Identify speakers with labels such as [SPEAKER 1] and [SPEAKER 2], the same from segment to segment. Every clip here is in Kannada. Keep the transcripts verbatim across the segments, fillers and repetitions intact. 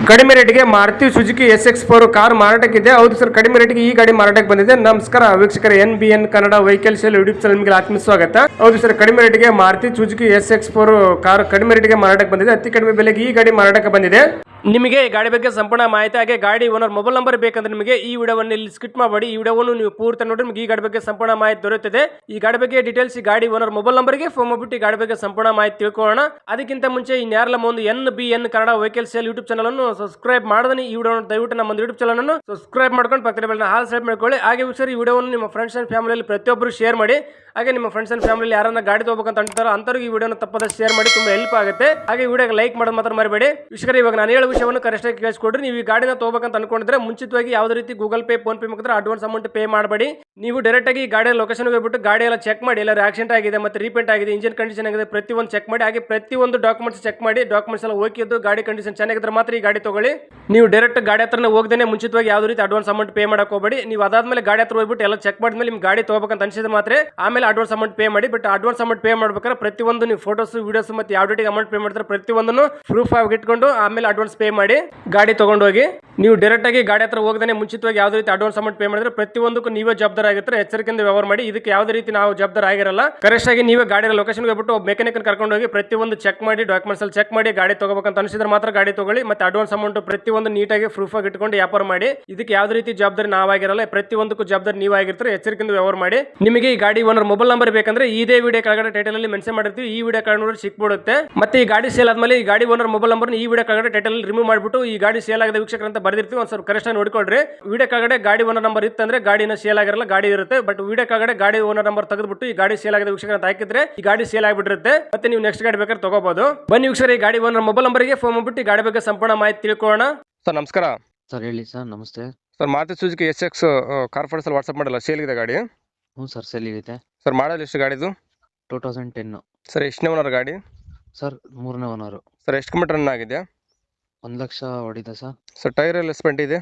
[SPEAKER 1] ಕಡಿಮೆ ರೇಟ್ಗೆ Maruti Suzuki S X four car ಮಾರಾಟಕ್ಕಿದೆ. ಹೌದು ಸರ್, ಕಡಿಮೆ ರೇಟ್ಗೆ ಈ ಗಾಡಿ ಮಾರಾಟಕ್ಕೆ ಬಂದಿದೆ. ನಮಸ್ಕಾರ ವೀಕ್ಷಕರ, N B N Kannada vehicle sale YouTube channel ನಿಮಗೆ ಆತ್ಮ ಸ್ವಾಗತ. ಹೌದು ಸರ್, ಕಡಿಮೆ ರೇಟ್ಗೆ Maruti Suzuki S X four car ಕಡಿಮೆ ರೇಟ್ಗೆ ಮಾರಾಟಕ್ಕೆ ಬಂದಿದೆ. ಅತಿ ಕಡಿಮೆ ಬೆಲೆಗೆ ಈ ಗಾಡಿ ಮಾರಾಟಕ್ಕೆ ಬಂದಿದೆ. ನಿಮಗೆ ಈ ಗಾಡಿ ಬಗ್ಗೆ ಸಂಪೂರ್ಣ ಮಾಹಿತಿ ಹಾಗೆ ಗಾಡಿ ಓನರ್ ಮೊಬೈಲ್ ನಂಬರ್ ಬೇಕಂದ್ರೆ ನಿಮಗೆ ಈ ವಿಡಿಯೋವನ್ನು ಇಲ್ಲಿ ಸ್ಕಿಪ್ ಮಾಡಬೇಡಿ. ಈ ವಿಡಿಯೋವನ್ನು ನೀವು ಪೂರ್ತಿ ನೋಡಿ ನಿಮಗೆ ಈ ಗಾಡಿ ಬಗ್ಗೆ ಸಂಪೂರ್ಣ ಮಾಹಿತಿ ದೊರೆಯುತ್ತದೆ. ಈ ಗಾಡಿ ಬಗ್ಗೆ ಡೀಟೇಲ್ಸ್ ಈ ಗಾಡಿ ಓನರ್ ಮೊಬೈಲ್ ನಂಬರ್ಗೆ ಫೋನ್ ಮಾಡಿಬಿಟ್ಟು ಈ ಗಾಡಿ ಬಗ್ಗೆ ಸಂಪೂರ್ಣ ಮಾಹಿತಿ ತಿಳ್ಕೊಳ್ಳೋಣ. ಅದಕ್ಕಿಂತ ಮುಂಚೆ ಇನ್ಯಾರಲ್ಲ ಒಂದು N B N Kannada vehicle sale YouTube channel ಅನ್ನು ಸಬ್ಸ್ಕ್ರೈಬ್ ಮಾಡಿದ್ರೆ ಈ ವಿಡಿಯೋ ದಯವಿಟ್ಟು ನಮ್ಮ ಯೂಟ್ಯೂಬ್ ಚಾನಲ್ ಅನ್ನು ಸಬ್ಸ್ಕ್ರೈಬ್ ಮಾಡ್ಕೊಂಡು ಪಕ್ಕದ ಬೆಲ್ ಹಾಲ್ ಸೆಲೆಕ್ಟ್ ಮಾಡ್ಕೊಳ್ಳಿ. ಹಾಗೆ ಸರ್, ಈ ವಿಡಿಯೋವನ್ನು ನಿಮ್ಮ ಫ್ರೆಂಡ್ಸ್ ಅಂಡ್ ಫ್ಯಾಮಿಲಿಯಲ್ಲಿ ಪ್ರತಿಯೊಬ್ಬರು ಶೇರ್ ಮಾಡಿ. ಹಾಗೆ ನಿಮ್ಮ ಫ್ರೆಂಡ್ಸ್ ಅಂಡ್ ಫ್ಯಾಮಿಲಿ ಯಾರನ್ನ ಗಾಡಿ ತಗೋಬೇಕಂತ ಅಂತಾರೋ ಅಂತವ್ರಿಗೆ ಈ ವಿಡಿಯೋನ ತಪ್ಪದ ಶೇರ್ ಮಾಡಿ, ತುಂಬಾ ಹೆಲ್ಪ್ ಆಗುತ್ತೆ. ಹಾಗೆ ವಿಡಿಯೋಗೆ ಲೈಕ್ ಮಾಡೋದು ಮಾತ್ರ ಮರಿಬೇಡಿ. ವಿಷಯ ಇವಾಗ ನಾನು ಹೇಳೋ ವಿಷಯವನ್ನು ಕರೆಕ್ಟ್ ಆಗಿ ಕೇಳಿಸ್ಕೊಡ್ರಿ. ನೀವು ಈ ಗಾಡಿನ ತಗೋಬೇಕಂತ ಅನ್ಕೊಂಡಿದ್ರೆ ಮುಂಚಿತವಾಗಿ ಯಾವುದೇ ರೀತಿ ಗೂಗಲ್ ಪೇ, ಫೋನ್ ಪೇ ಮುಖಾಂತರ ಅಡ್ವಾನ್ಸ್ ಅಮೌಂಟ್ ಪೇ ಮಾಡಬೇಡಿ. ನೀವು ಡೈರೆಕ್ಟ್ ಆಗಿ ಗಾಡಿಯ ಲೊಕೇಶನ್ ಹೋಗ್ಬಿಟ್ಟು ಗಾಡಿ ಎಲ್ಲ ಚೆಕ್ ಮಾಡಿ, ಎಲ್ಲ ಆಕ್ಸಿಡೆಂಟ್ ಆಗಿದೆ ಮತ್ತೆ ರೀಪೇಂಟ್ ಆಗಿದೆ, ಇಂಜಿನ್ ಕಂಡೀಷನ್ ಆಗಿದೆ, ಪ್ರತಿಯೊಂದು ಚೆಕ್ ಮಾಡಿ. ಹಾಗೆ ಪ್ರತಿಯೊಂದು ಡಾಕ್ಯುಮೆಂಟ್ಸ್ ಚೆಕ್ ಮಾಡಿ, ಡಾಕ್ಯುಮೆಂಟ್ಸ್ ಎಲ್ಲ ಓಕೆ ಇದ್ದು ಗಾಡಿ ಕಂಡೀಷನ್ ಚೆನ್ನಾಗಿದ್ರೆ ಮಾತ್ರ ಈ ಗಾಡಿ ತಗೊಳ್ಳಿ. ನೀವು ಡೈರೆಕ್ಟ್ ಗಾಡಿ ಹತ್ರನೇ ಹೋಗದೇನೆ ಮುಂಚಿತವಾಗಿ ಯಾವುದೇ ರೀತಿ ಅಡ್ವಾನ್ಸ್ ಅಮೌಂಟ್ ಪೇ ಮಾಡಕ್ ಹೋಗಬೇಡಿ. ನೀವು ಅದಾದ್ಮೇಲೆ ಗಾಡಿ ಹತ್ರ ಹೋಗ್ಬಿಟ್ಟು ಎಲ್ಲ ಚೆಕ್ ಮಾಡಿದ್ಮೇಲೆ ನಿಮ್ ಗಾಡಿ ತಗೋಬೇಕಂತ ಅನ್ಸಿದ್ರೆ ಮಾತ್ರ ಆಮೇಲೆ ಅಡ್ವಾನ್ಸ್ ಅಮೌಂಟ್ ಪೇ ಮಾಡಿ. ಬಟ್ ಅಡ್ವಾನ್ಸ್ ಅಮೌಂಟ್ ಪೇ ಮಾಡ್ಬೇಕಾದ್ರೆ ಪ್ರತಿಯೊಂದು ನೀವು ಫೋಟೋಸ್, ವಿಡಿಯೋಸ್ ಮತ್ತೆ ಯಾವ ಡೇಟಿಗೆ ಅಮೌಂಟ್ ಪೇ ಮಾಡ್ತಾರೆ ಪ್ರತಿಯೊಂದನ್ನು ಪ್ರೂಫ್ ಆಗಿ ಇಟ್ಕೊಂಡು ಆಮೇಲೆ ಅಡ್ವಾನ್ಸ್ ಪೇ ಮಾಡಿ ಗಾಡಿ ತಗೊಂಡು ಹೋಗಿ. ನೀವು ಡೈರೆಕ್ಟ್ ಆಗಿ ಗಾಡಿ ಹತ್ರ ಹೋಗದೇ ಮುಂಚಿತವಾಗಿ ಯಾವುದೇ ರೀತಿ ಅಡ್ವಾನ್ಸ್ ಅಮೌಂಟ್ ಪೇ ಮಾಡಿದ್ರೆ ಪ್ರತಿಯೊಂದಕ್ಕೂ ನೀವೇ ಜವಾಬ್ದಾರ ಆಗಿರ್ತಾರೆ. ಎಚ್ಚರಿಕೆಯಿಂದ ವ್ಯವಹಾರ ಮಾಡಿ. ಇದಕ್ಕೆ ಯಾವುದೇ ರೀತಿ ನಾವು ಜವಾಬ್ದಾರ ಆಗಿರಲ್ಲ. ಕರೆಕ್ಟ್ ಆಗಿ ನೀವೇ ಗಾಡಿ ಲೊಕೇಶನ್ ಹೋಗ್ಬಿಟ್ಟು ಮೆಕ್ಯಾನಿಕ್ ಕರ್ಕೊಂಡು ಹೋಗಿ ಪ್ರತಿಯೊಂದು ಚೆಕ್ ಮಾಡಿ, ಡಾಕ್ಯುಮೆಂಟ್ಸ್ ಅಲ್ಲಿ ಚೆಕ್ ಮಾಡಿ ಗಾಡಿ ತಗೋಬೇಕಂತ ಅನಿಸಿದ್ರೆ ಮಾತ್ರ ಗಾಡಿ ತಗೊಳ್ಳಿ. ಮತ್ತೆ ಅಡ್ವಾನ್ಸ್ ಅಮೌಂಟ್ ಪ್ರತಿಯೊಂದು ನೀಟಾಗಿ ಪ್ರೂಫ್ ಆಗಿ ಇಟ್ಕೊಂಡು ವ್ಯಾಪಾರ ಮಾಡಿ. ಇದಕ್ಕೆ ಯಾವುದೇ ರೀತಿ ಜವಾಬ್ದಾರಿ ನಾವಾಗಿರಲ್ಲ. ಪ್ರತಿಯೊಂದಕ್ಕೂ ಜವಾಬ್ದಾರಿ ನೀವಾಗಿರ್ತಾರೆ. ಎಚ್ಚರಿಕೆಯಿಂದ ವ್ಯವಹಾರ ಮಾಡಿ. ನಿಮಗೆ ಈ ಗಾಡಿ ಓನರ್ ಮೊಬೈಲ್ ನಂಬರ್ ಬೇಕಂದ್ರೆ ಇದೇ ವಿಡಿಯೋ ಕೆಳಗಡೆ ಟೈಟಲ್ ಅಲ್ಲಿ ಮೆನ್ಷನ್ ಮಾಡಿರ್ತೀವಿ. ಈ ವಿಡಿಯೋ ಕೆಳಗಡೆ ನೋಡಿ ಸಿಕ್ಬಿಡುತ್ತೆ. ಮತ್ತೆ ಈ ಗಾಡಿ ಸೇಲ್ ಆದ್ಮೇಲೆ ಈ ಗಾಡಿ ಓನರ್ ಮೊಬೈಲ್ ನಂಬರ್ ಈ ವಿಡಿಯೋ ಕೆಳಗಡೆ ಟೈಟಲ್ ರಿಮೂವ್ ಮಾಡಿಬಿಟ್ಟು ಈ ಗಾಡಿ ಸೇಲ್ ಆಗದ ವೀಕ್ಷಕರು ಅಂತ ಬರ್ದಿರ್ತೀವಿ. ಒಂದು ಸ್ವಲ್ಪ ಕರೆಕ್ಟ್ ಆಗಿ ನೋಡ್ಕೊಳ್ರಿ. ವಿಡಿಯೋ ಕೆಳಗಡೆ ಗಾಡಿ ಓನರ್ ನಂಬರ್ ಇತ್ತಂದ್ರೆ ಗಾಡಿನ ಸೇಲ್ ಆಗಿರಲ್ಲ, ಗಾಡಿ ಇರುತ್ತೆ. ಬಟ್ ವಿಡಿಯೋ ಕೆಳಗಡೆ ಗಾಡಿ ಓನರ್ ನಂಬರ್ ತೆಗೆದ್ಬಿಟ್ಟು ಈ ಗಾಡಿ ಸೇಲ್ ಆಗದ ವೀಕ್ಷಕರು ಅಂತ ಹಾಕಿದ್ರೆ ಈ ಗಾಡಿ ಸೇಲ್ ಆಗಿಬಿಟ್ಟಿರುತ್ತೆ. ಮತ್ತೆ ನೀವು ನೆಕ್ಸ್ಟ್ ಗಾಡಿ ಬೇಕಾದ್ರೆ ತಗೋಬಹುದು. ಬನ್ನಿ ವೀಕ್ಷಕರು, ಈ ಗಾಡಿ ಓನರ್ ಮೊಬೈಲ್ ನಂಬರ್ಗೆ ಫೋನ್ ಮಾಡ್ಬಿಟ್ಟು ಈ ಗಾಡಿ ಬಗ್ಗೆ ಸಂಪೂರ್ಣ ಮಾಹಿತಿ ತಿಳ್ಕೊಳ್ಳೋಣ. ಸರ್ ನಮಸ್ಕಾರ.
[SPEAKER 2] ಸರ್ ಹೇಳಿ ಸರ್. ನಮಸ್ತೆ
[SPEAKER 1] sir. Maruti Suzuki S X car photos ಅಲ್ಲಿ ವಾಟ್ಸ್ಆಪ್ ಮಾಡಲ್ಲ, ಸೇಲ್ ಇದೆ ಗಾಡಿ?
[SPEAKER 2] ಹ್ಞೂ ಸರ್, ಸೇಲ್ ಇದೆ.
[SPEAKER 1] ಸರ್ ಮಾಡಲ್ ಎಷ್ಟು ಗಾಡಿದು?
[SPEAKER 2] Two thousand ten.
[SPEAKER 1] ಸರ್ ಎಷ್ಟನೇ ಓನರ್ ಗಾಡಿ?
[SPEAKER 2] ಸರ್ ಮೂರನೇ ಓನರು.
[SPEAKER 1] ಸರ್ ಎಷ್ಟು ಕಿಲೋಮೀಟರ್ ರನ್ ಆಗಿದೆ?
[SPEAKER 2] ಒಂದು ಲಕ್ಷ ಹೊಡಿದೆ ಸರ್.
[SPEAKER 1] ಸರ್ ಟೈರ್ ಎಲ್ಲ ಸ್ಪೆಂಟ್ ಇದೆ?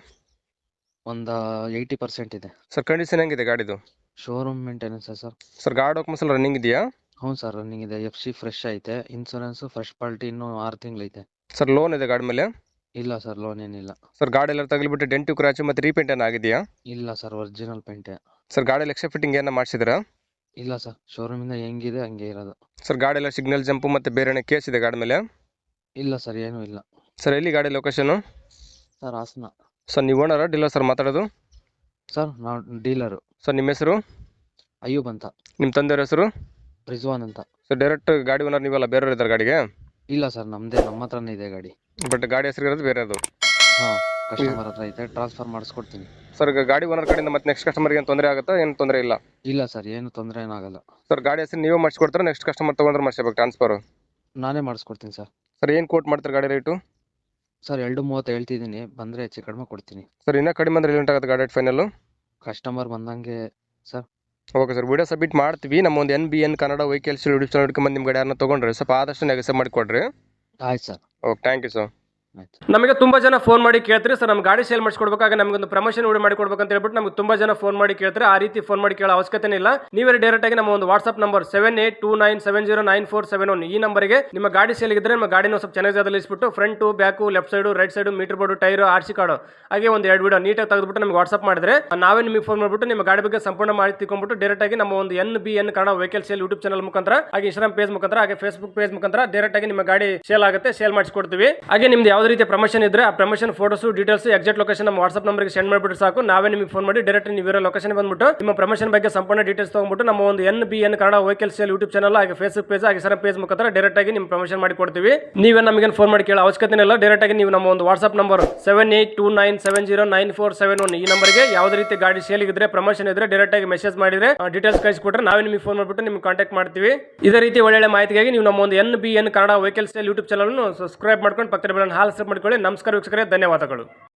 [SPEAKER 2] ಒಂದು ಏಯ್ಟಿ ಪರ್ಸೆಂಟ್ ಇದೆ.
[SPEAKER 1] ಸರ್ ಕಂಡೀಷನ್ ಹೆಂಗಿದೆ ಗಾಡಿದು?
[SPEAKER 2] Showroom maintenance sir.
[SPEAKER 1] ಸರ್ ಗಾಡಿ ಡಾಕ್ಯುಮೆಂಟ್ಸ್ ಎಲ್ಲ ರನ್ನಿಂಗ್ ಇದೆಯಾ?
[SPEAKER 2] ಹ್ಞೂ ಸರ್, ರನ್ನಿಂಗ್ ಇದೆ. ಎಫ್ ಸಿ ಫ್ರೆಶ್ ಐತೆ. ಇನ್ಸೂರೆನ್ಸ್ ಫಸ್ಟ್ ಪಾರ್ಟಿ ಇನ್ನೂ ಆರು ತಿಂಗಳು ಐತೆ.
[SPEAKER 1] ಸರ್ ಲೋನ್ ಇದೆ ಗಾಡಿ ಮೇಲೆ?
[SPEAKER 2] ಇಲ್ಲ ಸರ್, ಲೋನ್ ಏನಿಲ್ಲ.
[SPEAKER 1] ಸರ್ ಗಾಡಿ ಎಲ್ಲ ತಗಲಿಬಿಟ್ಟು ಡೆಂಟು ಕ್ರಾಚ್ ಮತ್ತೆ ರೀಪೇಂಟ್ ಏನು ಆಗಿದೆಯಾ?
[SPEAKER 2] ಇಲ್ಲ ಸರ್, ಒರಿಜಿನಲ್ ಪೇಂಟೆ.
[SPEAKER 1] ಸರ್ ಗಾಡಿ ಎಕ್ಸ್ಟ್ರಾ ಫಿಟ್ಟಿಂಗ್ ಏನೋ ಮಾಡಿಸಿದ್ರಾ?
[SPEAKER 2] ಇಲ್ಲ ಸರ್, ಶೋರೂಮಿಂದ ಹೆಂಗಿದೆ ಹಂಗೆ ಇರೋದು.
[SPEAKER 1] ಸರ್ ಗಾಡಿ ಎಲ್ಲ ಸಿಗ್ನಲ್ ಜಂಪು ಮತ್ತೆ ಬೇರೆ ಕೇಸ್ ಇದೆ ಗಾಡಿ ಮೇಲೆ?
[SPEAKER 2] ಇಲ್ಲ ಸರ್, ಏನೂ ಇಲ್ಲ.
[SPEAKER 1] ಸರ್ ಎಲ್ಲಿ ಗಾಡಿ ಲೊಕೇಶನ್?
[SPEAKER 2] ಸರ್ ಹಾಸನ.
[SPEAKER 1] ಸರ್ ನೀವು ಓನರ ಡೀಲರ್ ಸರ್ ಮಾತಾಡೋದು?
[SPEAKER 2] ಸರ್ ನಾವು ಡೀಲರು.
[SPEAKER 1] ಸರ್ ನಿಮ್ಮ ಹೆಸರು?
[SPEAKER 2] ಅಯ್ಯೂಬ್ ಅಂತ.
[SPEAKER 1] ನಿಮ್ಮ ತಂದೆಯವ್ರ ಹೆಸರು?
[SPEAKER 2] ರಿಜ್ವಾನ್ ಅಂತ.
[SPEAKER 1] ಸರ್ ಡೈರೆಕ್ಟ್ ಗಾಡಿ ಓನರ್ ನೀವಲ್ಲ, ಬೇರೆಯವ್ರು ಇದ್ದಾರೆ ಗಾಡಿಗೆ?
[SPEAKER 2] ಇಲ್ಲ ಸರ್, ನಮ್ಮದೇ, ನಮ್ಮ ಹತ್ರನೇ ಇದೆ ಗಾಡಿ.
[SPEAKER 1] ಬಟ್ ಗಾಡಿ ಹೆಸರು ಇರೋದು ಬೇರೆ ಅದು?
[SPEAKER 2] ಹಾಂ, ಕಸ್ಟಮರ್ ಹತ್ರ ಐತೆ. ಟ್ರಾನ್ಸ್ಫರ್ ಮಾಡಿಸ್ಕೊಡ್ತೀನಿ.
[SPEAKER 1] ಸರ್ ಗಾಡಿ ಓನರ್ ಕಡೆಯಿಂದ ಮತ್ತೆ ನೆಕ್ಸ್ಟ್ ಕಸ್ಟಮರ್ಗೆ ಏನು ತೊಂದರೆ ಆಗುತ್ತಾ? ಏನು ತೊಂದರೆ ಇಲ್ಲ?
[SPEAKER 2] ಇಲ್ಲ ಸರ್, ಏನು ತೊಂದರೆ ಏನಾಗಲ್ಲ.
[SPEAKER 1] ಸರ್ ಗಾಡಿ ಹೆಸರು ನೀವೇ ಮಾಡಿಸ್ಕೊಡ್ತಾರೆ, ನೆಕ್ಸ್ಟ್ ಕಸ್ಟಮರ್ ತೊಗೊಂಡ್ರೆ ಮಾಡಿಸ್ಬೇಕು ಟ್ರಾನ್ಸ್ಫರ್?
[SPEAKER 2] ನಾನೇ ಮಾಡಿಸ್ಕೊಡ್ತೀನಿ ಸರ್.
[SPEAKER 1] ಸರ್ ಏನು ಕೋಟ್ ಮಾಡ್ತಾರೆ ಗಾಡಿ ರೇಟು?
[SPEAKER 2] ಸರ್ ಎರಡು ಮೂವತ್ತು ಹೇಳ್ತಿದ್ದೀನಿ, ಬಂದರೆ ಹೆಚ್ಚು ಕಡಿಮೆ ಕೊಡ್ತೀನಿ.
[SPEAKER 1] ಸರ್ ಇನ್ನೂ ಕಡಿಮೆ ಅಂದರೆ ಎಲ್ಲಿ ಆಗುತ್ತೆ ಗಾಡಿ ಫೈನಲ್ಲು?
[SPEAKER 2] ಕಸ್ಟಮರ್ ಬಂದಂಗೆ sir.
[SPEAKER 1] Okay sir, video submit ಮಾಡ್ತೀವಿ. ನಮ್ಮ ಒಂದು N B N Kannada vehicles YouTube channel ಹಿಡ್ಕೊಂಡು ನಿಮ್ಮ ಗಾಡಿ ಯಾರನ್ನ ತೊಗೊಂಡ್ರೆ ಸ್ವಲ್ಪ ಆದಷ್ಟು ನೆಗೆಸ ಮಾಡಿಕೊಡ್ರಿ.
[SPEAKER 2] ಆಯ್ತು sir.
[SPEAKER 1] Okay, thank you sir.
[SPEAKER 2] ಆಯ್ತು.
[SPEAKER 1] ನಮಗೆ ತುಂಬಾ ಜನ ಫೋನ್ ಮಾಡಿ ಕೇಳ್ತಾರೆ, ಸರ್ ನಮ್ಮ ಗಾಡಿ ಸೇಲ್ ಮಾಡಿಸ್ಕೊಡ್ಬೇಕಾಗ ನಮಗೊಂದು ಪ್ರಮೋಷನ್ ವಿಡಿಯೋ ಮಾಡಿ ಕೊಡ್ಬೇಕಂತ ಹೇಳ್ಬಿಟ್ಟು ನಮಗೆ ತುಂಬಾ ಜನ ಫೋನ್ ಮಾಡಿ ಕೇಳ್ತಾರೆ. ಆ ರೀತಿ ಫೋನ್ ಮಾಡಿ ಕೇಳೋ ಅವಶ್ಯಕತೆ ಇಲ್ಲ. ನೀವೇ ಡೈರೆಕ್ಟ್ ಆಗಿ ನಮ್ಮ ಒಂದು WhatsApp number seven eight two nine seven zero nine four seven one ಈ ನಂಬರ್ಗೆ ನಿಮ್ಮ ಗಾಡಿ ಸೇಲ್ ಇದ್ರೆ ನಿಮ್ಮ ಗಾಡಿನ ಸ್ವಲ್ಪ ಚೆನ್ನಾಗಿ ಜಾಗದಲ್ಲಿ ಇಸ್ಬಿಟ್ಟು front, back, left side, right side, meter board, tyre, R C card ಹಾಗೆ ಒಂದು ಎರಡು ವಿಡಿಯೋ ನೀಟಾಗಿ ತೆಗೆದುಬಿಟ್ಟು ನಮಗೆ ವಾಟ್ಸ್ಆಪ್ ಮಾಡಿದ್ರೆ ನಾವೇ ನಿಮಗೆ ಫೋನ್ ಮಾಡಿಬಿಟ್ಟು ನಿಮ್ಮ ಗಾಡಿ ಬಗ್ಗೆ ಸಂಪೂರ್ಣ ಮಾಹಿತಿ ತಿಳ್ಕೊಂಡ್ಬಿಟ್ಟು ಡೈರೆಕ್ಟ್ ಆಗಿ ನಮ್ಮ ಒಂದು N B N Kannada vehicle sale YouTube channel ಮುಖಾಂತರ ಹಾಗೆ ಇನ್ಸ್ಟಾಗ್ರಾಮ್ ಪೇಜ್ ಮುಖಾಂತರ ಹಾಗೆ ಫೇಸ್ಬುಕ್ ಪೇಜ್ ಮುಖಾಂತರ ಡೈರೆಕ್ಟ್ ಆಗಿ ನಿಮ್ಮ ಗಾಡಿ ಸೇಲ್ ಆಗುತ್ತೆ, ಸೇಲ್ ಮಾಡಿಸ್ಕೊಡ್ತೀವಿ. ಹಾಗೆ ನಿಮ್ದು ಯಾವುದೇ ರೀತಿಯ ಪ್ರಮೋಷನ್ ಇದ್ರೆ ಆ promotion photos, details, exact location ನಮ್ಮ ವಾಟ್ಸ್ಆಪ್ ನಂಬರ್ಗೆ ಸೆಂಡ್ ಮಾಡಿಬಿಟ್ಟು ಸಾಕು. ನಾವೇ ನಿಮಗೆ ಫೋನ್ ಮಾಡಿ ಡೈರೆಕ್ಟ್ ನೀವು ಇರೋ ಲೊಕೇಶನ್ ಬಂದ್ಬಿಟ್ಟು ನಿಮ್ಮ ಪ್ರಮೋಷನ್ ಬಗ್ಗೆ ಸಂಪೂರ್ಣ ಡೀಟೇಲ್ಸ್ ತಗೊಂಡ್ಬಿಟ್ಟು ನಮ್ಮ ಒಂದು N B N Kannada vehicle sale YouTube channel ಹಾಗೆ ಫೇಸ್ಬುಕ್ ಪೇಜ್ ಹಾಗೆ ಇನ್ಸ್ಟಾಗ್ರಾಮ್ ಪೇಜ್ ಮುಖಾಂತರ ಡೈರೆಕ್ಟ್ ಆಗಿ ನಿಮ್ಮ ಪ್ರಮೋಷನ್ ಮಾಡಿ ಕೊಡ್ತೀವಿ. ನೀವೇ ನಮಗೆ ಫೋನ್ ಮಾಡಿ ಕೇಳೋ ಅವಶ್ಯಕತೆ ಇಲ್ಲ. ಡೈರೆಕ್ಟ್ ಆಗಿ ನೀವು ನಮ್ಮ ಒಂದು WhatsApp number seven eight two nine seven zero nine four seven one ಈ ನಂಬರ್ಗೆ ಯಾವುದೇ ರೀತಿ ಗಾಡಿ ಸೇಲ್ ಇದ್ರೆ, ಪ್ರಮೋಷನ್ ಇದ್ರೆ ಡೈರೆಕ್ಟ್ ಆಗಿ ಮೆಸೇಜ್ ಮಾಡಿದ್ರೆ ಡೀಟೇಲ್ಸ್ ಕಳಿಸಿಕೊಟ್ರೆ ನಾವೇ ನಿಮಗೆ ಫೋನ್ ಮಾಡಿಬಿಟ್ಟು ನಿಮ್ಗೆ ಕಾಂಟ್ಯಾಕ್ಟ್ ಮಾಡ್ತೀವಿ. ಇದೇ ರೀತಿ ಒಳ್ಳೆ ಮಾಹಿತಿಗಾಗಿ ನೀವು ನಮ್ಮ ಒಂದು N B N Kannada vehicle sale YouTube channel subscribe ಮಾಡ್ಕೊಂಡು ಪಕ್ಕದ ಬೆಲ್ ಹಾಲ್ ಸೆಟ್ ಮಾಡ್ಕೊಳ್ಳಿ. ನಮಸ್ಕಾರ ವೀಕ್ಷಕರೇ, ಧನ್ಯವಾದಗಳು.